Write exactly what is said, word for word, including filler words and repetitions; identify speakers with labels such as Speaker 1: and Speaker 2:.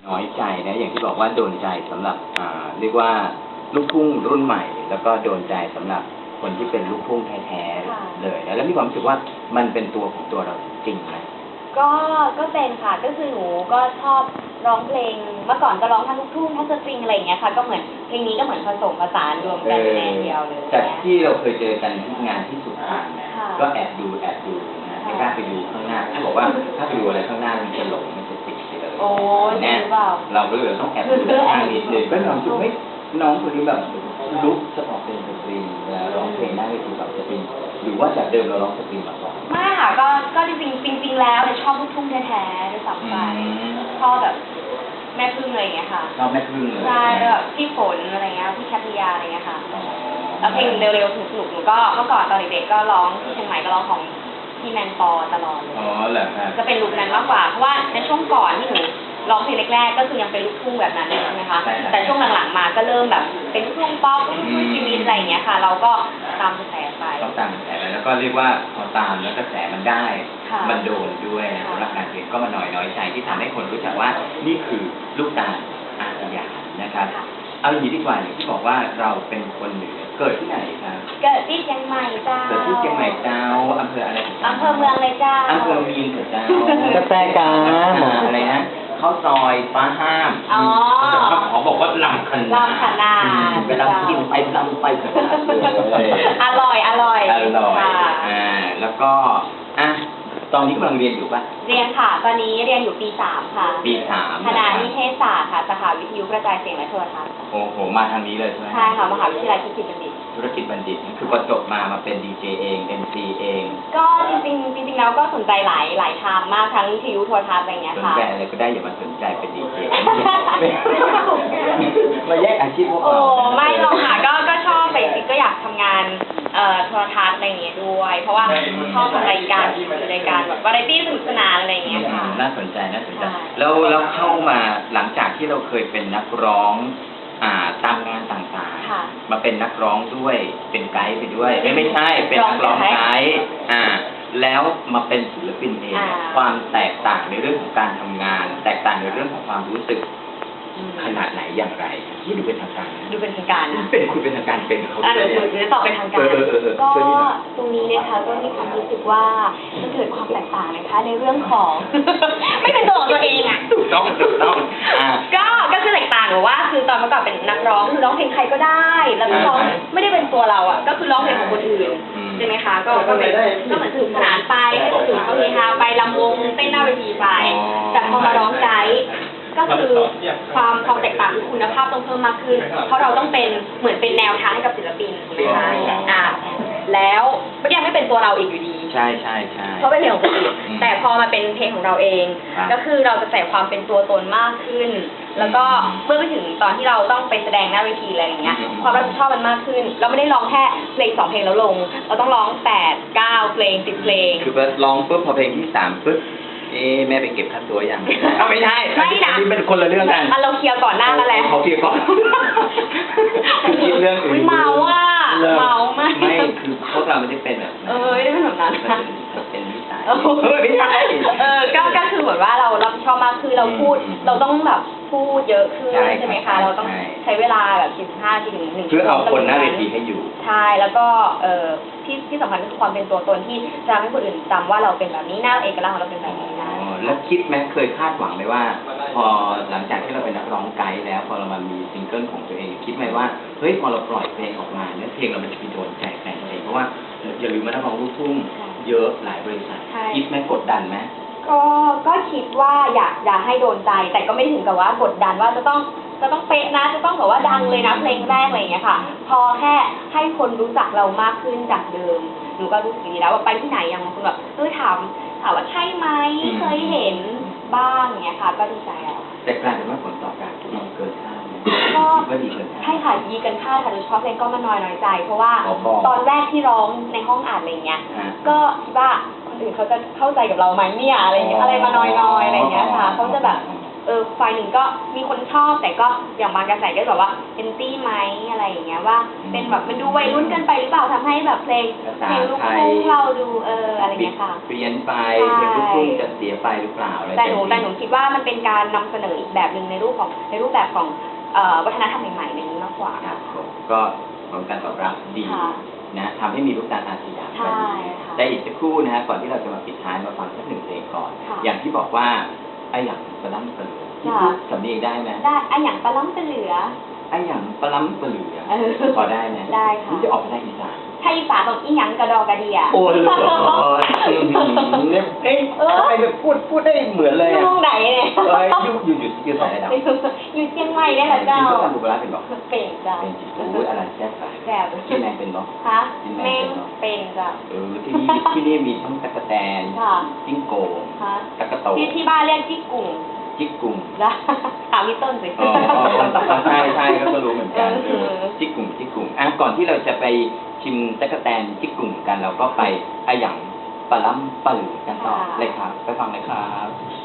Speaker 1: น้อยใจนะอย่างที่บอกว่าโดนใจสำหรับอ่าเรียกว่าลูกทุ่งรุ่นใหม่ แล้วก็โดนใจสำหรับคนที่เป็นลูกทุ่งแท้ๆเลยนะแล้วมีความรู้สึกว่ามันเป็นตัวของตัวเราจริงไหม
Speaker 2: ก็ก็เป็นค่ะก็คือหนูก็ชอบร้องเพลงเมื่อก่อนก็ร้องทั้งลูกทุ่งทั้งสตริงอะไรอย่างเงี้ยค่ะก็เหมือนเพลงนี้ก็เหมือนผสมผสานรวมกันในเดียวเลย
Speaker 1: จากที่เราเคยเจอกันที่งานที่สุพรรณก็แอบดูแอบดูนะไม่กล้าไปดูข้างหน้าถ้าบอกว่าถ้าไปดูอะไรข้างหน้ามันจะหลงมันจะติดเลย
Speaker 2: โอ้เนี่ย
Speaker 1: เราก็เลยต้องแอบดูข้างนิดนึงก็น้องจุ๊บไม่น้องคนนี้แบบลุกจะออกเป็นสตริงแล้วร้องเพลงหน้าเวทีแบบสตริงหรือว่าจากเดิมเราร้องสตริงมาก่อน
Speaker 2: ไม่ค่ะก็ก็จริงจริงๆแล้วเนี่ยชอบลูกทุ่งแท้ๆด้วยซ้ำไปชอบแบบแม่พึ่งอะไรอย่างเงี้ยค่ะ
Speaker 1: ชอบแม่พึ่งเลย
Speaker 2: ใช่แบบพี่ฝนอะไรเงี้ยพี่แคทริยาอะไรเงี้ยค่ะแล้วเพลงเร็วๆสนุกๆหนูก็เมื่อก่อนตอนเด็กๆก็ร้องที่เชียงใหม่ก็ร้องของพี่แมนปอตลอดเลย
Speaker 1: อ๋อเหรอครับ
Speaker 2: จะเป็นลุคนั้นมากกว่าเพราะว่าในช่วงก่อนที่หนูร้องเพลงแรกๆก็คือยังเป็นลูกทุ่งแบบนั้นใช่ไหมคะแต่ช่วงหลังๆมาก็เริ่มแบบเป็นลูกทุ่งป๊อปลูกทุ่งชีวิตอะไรอย่างเงี้ยค่ะเราก็ตามกระแสไป
Speaker 1: ก็ตามกระแสไปแล้วก็เรียกว่าพอตามแล้วกระแสมันได้มันโดนด้วยสำหรับการเพลงก็มาหน่อยน้อยใจที่ทำให้คนรู้จักว่านี่คือลูกตาลอาสยามนะครับเอาอย่างนี้ดีกว่าอย่างที่บอกว่าเราเป็นคนเหนือเกิดที่ไหนครับ
Speaker 2: เกิดที่เชียงใหม่เจ้า
Speaker 1: เกิดที่เชียงใหม่เจ้าอำเภออะไร
Speaker 2: อำเภอเมืองเลยเจ้า
Speaker 1: อำเภอมีนเจ้ากาแฟกาอะไรนะข้าวซอยฟ้าห้าม
Speaker 2: อ๋อ
Speaker 1: ขอบอกว่าลำขนาด
Speaker 2: ลำขนาด
Speaker 1: เวลากินไปลำไปขนาด
Speaker 2: อร่อยอร่อย
Speaker 1: อร่อยอ่าแล้วก็อ่ะตอนนี้กำลังเรียนอยู่ป่ะ
Speaker 2: เรียนค่ะตอนนี้เรียนอยู่ปีสามค่ะ
Speaker 1: ปีสาม
Speaker 2: คณะนิเทศศาสตร์ค่ะสาขาวิทยุกระจายเสียงและโทรทัศน์
Speaker 1: โอ้โหมาทางนี้เลยใช่ไหม
Speaker 2: ใช่ค่ะมหาวิทยาลัยธุรกิจบัณฑิต
Speaker 1: ธุรกิจบัณฑิตคือพอจบมามาเป็นดีเจเอง เอ็ม ซี เอง
Speaker 2: ก็จริงๆจริงๆแล้วก็สนใจหลายหลายทางมากทั้งวิทยุโทรทัศน์อะไรเงี้ยค่ะ
Speaker 1: สนใจอะไรก็ได้อย่ามาสนใจเป็นดีเจมาแยกอาชีพพวกเรา
Speaker 2: โอ้ไม่หรอกค่ะก็ก็ชอบแต่จริงๆก็อยากทำงานเอ่อโทรทัศน์อะไรเงี้ยด้วยเพราะว่าชอบรายการรายการแบบวาไรตี้สนุกสนานอะไรเงี้ยค่ะ
Speaker 1: น่าสนใจน่าสนใจแล้วแล้วเข้ามาหลังจากที่เราเคยเป็นนักร้องอ่าตามงานต่างๆมาเป็นนักร้องด้วยเป็นไกด์ไปด้วยไม่ไม่ใช่เป็นนักร้องไกด์อ่าแล้วมาเป็นศิลปินเองความแตกต่างในเรื่องของการทำงานแตกต่างในเรื่องของความรู้สึกขนาดไหนอย่างไรที่ดูเป็นทางการ
Speaker 2: ดูเป็นทางการ
Speaker 1: เป็นคุณเป็นทางการเป็นเขา
Speaker 2: เลยหนูจะตอบเป็นทางการก็ตรงนี้นะคะก็มีความรู้สึกว่าจะเกิดความแตกต่างนะคะในเรื่องของไม่เป็นตัวของตัวเองอ่ะ
Speaker 1: ถูกต้องถูกต้อง
Speaker 2: ก็ก็คือแตกต่างหรือว่าคือตอนเมื่อก่อนเป็นนักร้องคือร้องเพลงใครก็ได้แล้วก็ร้องไม่ได้เป็นตัวเราอ่ะก็คือร้องเพลงของคนอื่นใช่ไหมคะก็ก็เป็นก็เหมือนสนุกสนานไปให้คนอื่นเขาเฮฮาไปลำวงเต้นหน้าเวทีไปแต่พอมาร้องไกด์ก็คือความความแตกต่างคือคุณภาพต้องเพิ่มมากขึ้นเพราะเราต้องเป็นเหมือนเป็นแนวทางให้กับศิลปินถูกไหมคะอ่าแล้วก็ยังไม่เป็นตัวเราอีกอยู่ดี
Speaker 1: ใช่ใช่ใช่
Speaker 2: เพราะเป็นเพลงของคนอื่นแต่พอมาเป็นเพลงของเราเองก็คือเราจะใส่ความเป็นตัวตนมากขึ้นแล้วก็เมื่อไปถึงตอนที่เราต้องไปแสดงหน้าเวทีอะไรอย่างเงี้ยความรับผิดชอบมันมากขึ้นเราไม่ได้ร้องแค่เพลงสองเพลงแล้วลงเราต้องร้องแปดเก้าเพลงสิบเพลง
Speaker 1: คือร้องปุ๊บพอเพลงที่สามปุ๊บเอ๊แม่ไปเก็บค่าตัวยังเอาไม่ใช่
Speaker 2: ไม่นะ
Speaker 1: นี่เป็นคนละเรื่องกัน
Speaker 2: เราเคลียร์ก่อนหน้านั่นแหละ
Speaker 1: เขาเคลียร์ก่อนคือคิดเรื่องอื่น
Speaker 2: เมาอ่ะเมา
Speaker 1: ไม่ไม่คือพวกเราไม่ได้เป็นแบบ
Speaker 2: เออไม่ได้เป็นแบบนั้น
Speaker 1: เป็นนิสัย
Speaker 2: เออไม่ใช่เออก็ก็คือเหมือนว่าเรารับผิดชอบมากคือเราพูดเราต้องแบบพูดเยอะขึ้นใช่ไหมคะเราต้องใช้เวลาแบบสิบห้าถึงหนึ่ง
Speaker 1: เพื่อเอาคนหน้าเวทีให้อยู่
Speaker 2: ใช่แล้วก็เออที่ที่สำคัญก็คือความเป็นตัวตนที่จะทำให้คนอื่นจำว่าเราเป็นแบบนี้หน้าเอกลักษณ์ของเราเป็นแบบนี้นะ
Speaker 1: แล้วคิดไหมเคยคาดหวังไหมว่าพอหลังจากที่เราเป็นนักร้องไกด์แล้วพอเรามามีซิงเกิลของตัวเองคิดไหมว่าเฮ้ยพอเราปล่อยเพลงออกมาเนี่ยเพลงเรามันจะไปโดนใจแฟนเพลงเพราะว่าอย่าลืมว่านักร้องลูกทุ่งเยอะหลายบริษัทคิดไหมกดดันไหม
Speaker 2: ก็ก็คิดว่าอยากอยากให้โดนใจแต่ก็ไม่ถึงกับว่ากดดันว่าจะต้องจะต้องเป๊ะนะจะต้องแบบว่าดังเลยนะเพลงแรกอะไรอย่างเงี้ยค่ะพอแค่ให้คนรู้จักเรามากขึ้นจากเดิมหนูก็รู้สึกดีแล้วว่าไปที่ไหนอย่างบางคนแบบเออถามถามว่าใช่ไหมเคยเห็นบ้างเงี้ยค่ะก็ดีใจแล้ว
Speaker 1: แต่กลายเป็นว่าผลตอบรับดีเกินคาด
Speaker 2: ก็ใช่ค่ะดีเกินคาดค่ะโดยเฉพาะเพลงก็มาน้อยน้อยใจเพราะว่าตอนแรกที่ร้องในห้องอัดอะไรเงี้ยก็คิดว่าคนอื่นเขาจะเข้าใจกับเราไหมเนี่ยอะไรเงี้ยอะไรมาน้อยๆอะไรเงี้ยค่ะเขาจะแบบเออฝ่ายหนึ่งก็มีคนชอบแต่ก็อย่างบางกระแสก็แบบว่าเอนตี้ไหมอะไรอย่างเงี้ยว่าเป็นแบบมันดูวัยรุ่นเกินไปหรือเปล่าทำให้แบบเพลงเพลงลูกทุ่งเราดูเอออะไรเงี้ยค่ะ
Speaker 1: เปลี่ยนไปเพลงลูกทุ่งจะเสียไปหรือเปล่าอะไร
Speaker 2: แต่หนูแต่หนูคิดว่ามันเป็นการนำเสนออีกแบบหนึ่งในรูปของในรูปแบบของเอ่อวัฒนธรรมใหม่ๆในนี้มากกว่า
Speaker 1: ครับผมก็ผลการตอบรับดีนะทำให้มีลูกตาลอาสยาม
Speaker 2: ใช่ค่ะ
Speaker 1: แต่อีกสักครู่นะฮะก่อนที่เราจะมาปิดท้ายมาฟังสักหนึ่งเพลงก่อน
Speaker 2: ค่ะ
Speaker 1: อย่างที่บอกว่าไอ้อย่างปลาล้ำปลาเหลือที่พูดสำเนียงได้ไหม
Speaker 2: ได้ไอะอย่างปลาล้ำปลาเหลือ
Speaker 1: ไอ้อย่างปลาล้ำปลาเหลือ
Speaker 2: เออ
Speaker 1: พอได้ไหม
Speaker 2: ได้ค่ะ
Speaker 1: นี่จะออกไปทางอีสาน
Speaker 2: ไทยอีสานของอีหยังกระดอกกระเดีย
Speaker 1: โอ้ยเนี่ยเอ๊ะทำไมแบบพูดพูดได้เหมือนเลย
Speaker 2: อยู่
Speaker 1: อ่ะ
Speaker 2: ตรงไหนเนี่ย
Speaker 1: เอ้ยอยู่อยู่อยู่อยู่สายระดับ
Speaker 2: อยู่เชียงใหม่เนี่ยเหรอเจ้า
Speaker 1: กินข้าวตำปูปลาร้าเป็นบอก
Speaker 2: เป็นเจ้า
Speaker 1: เป็นจิตโอ้ยอะไรแซ่บไป
Speaker 2: แซ่บ
Speaker 1: กินแมงเป็นบอก
Speaker 2: ฮะแม่งเป็นเจ้า
Speaker 1: เออที่นี่ที่นี่มีทั้งตะกะแตน
Speaker 2: ค่ะ
Speaker 1: จิ้งโกง
Speaker 2: ฮะ
Speaker 1: ตะกะโต
Speaker 2: ที่ที่บ้านเรียกจี้กุ่ง
Speaker 1: จิกกุ่ง
Speaker 2: นะถามพี่ต้นสิ
Speaker 1: อ๋อใช่ใช่ก็รู้เหมือนกัน
Speaker 2: เออ
Speaker 1: จิกกุ่งจิกกุ่งอ่ะก่อนที่เราจะไปชิมตะกะแตนจิกกุ่งกันเราก็ไปอะหยังปลาล้ำปลาเหลือกันต่อเลยครับไปฟังเลยครับ